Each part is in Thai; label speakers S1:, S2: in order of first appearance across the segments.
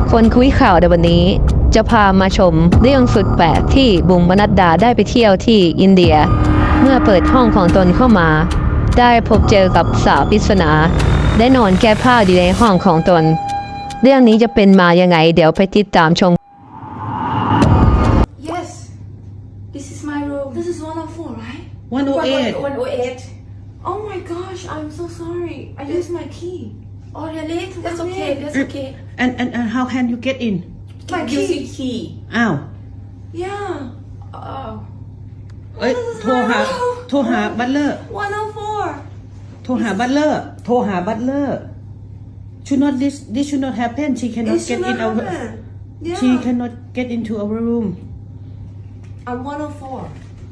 S1: คนคุยข่าวในวันนี้จะพามาชมเรื่องสุดแปลกที่บุ๋มปนัดดาได้ไปเที่ยวที่อินเดีย เมื่อเปิดห้องของตนเข้ามา ได้พบเจอกับสาวปริศนาได้นอนแก้ผ้าอยู่ในห้องของตน เรื่องนี้จะเป็นมายังไงเดี๋ยวไปติดตามชม
S2: Yes, this is my room. This is 104, right?
S3: 108.
S2: 108. Oh my gosh, I'm so sorry. I used my key. Oh really? That's okay. That's okay.
S3: And how can you get in?
S2: My
S4: Using
S2: key.
S4: key.
S3: อ้าว
S2: Yeah. Oh.
S3: เอ้ยโทรหาบัตเลอร์
S2: 104.
S3: โทรหาบัตเลอร์ should not this should not happen she cannot
S2: It
S3: get
S2: should
S3: in
S2: not
S3: our
S2: happen. Yeah.
S3: she cannot get into our room
S2: I'm 104.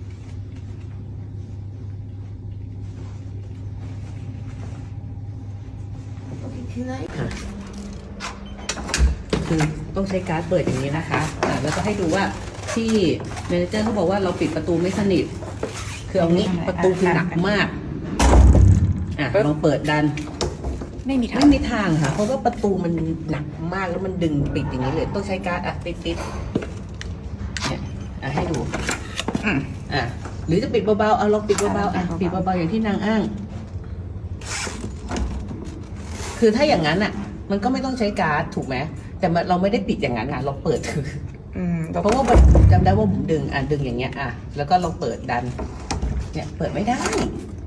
S2: Okay, can I?
S4: คือต้องใช้การ์ดเปิดอย่างนี้นะคะแล้วก็ให้ดูว่าที่เมเนเจอร์เขาบอกว่าเราปิดประตูไม่สนิท คือเอางี้ประตูคือหนักมากลองเปิดดัน
S5: ไม่มีทาง
S4: ไม่มีทางค่ะ เพราะว่าประตูมันหนักมากแล้วมันดึงปิดอย่างนี้เลย ต้องใช้การ์ดติดเนี่ยให้ดูหรือจะปิดเบาๆลองปิดเบาๆปิดเบาๆอย่างที่นางอ้าง คือถ้าอย่างนั้นมันก็ไม่ต้องใช้การ์ดถูกไหมแต่เราไม่ได้ปิดอย่างนั้นเราเปิดคือเพราะว่าจำได้ว่าผมดึงดึงอย่างเงี้ยแล้วก็ลองเปิดดันเนี่ยเปิดไม่ได้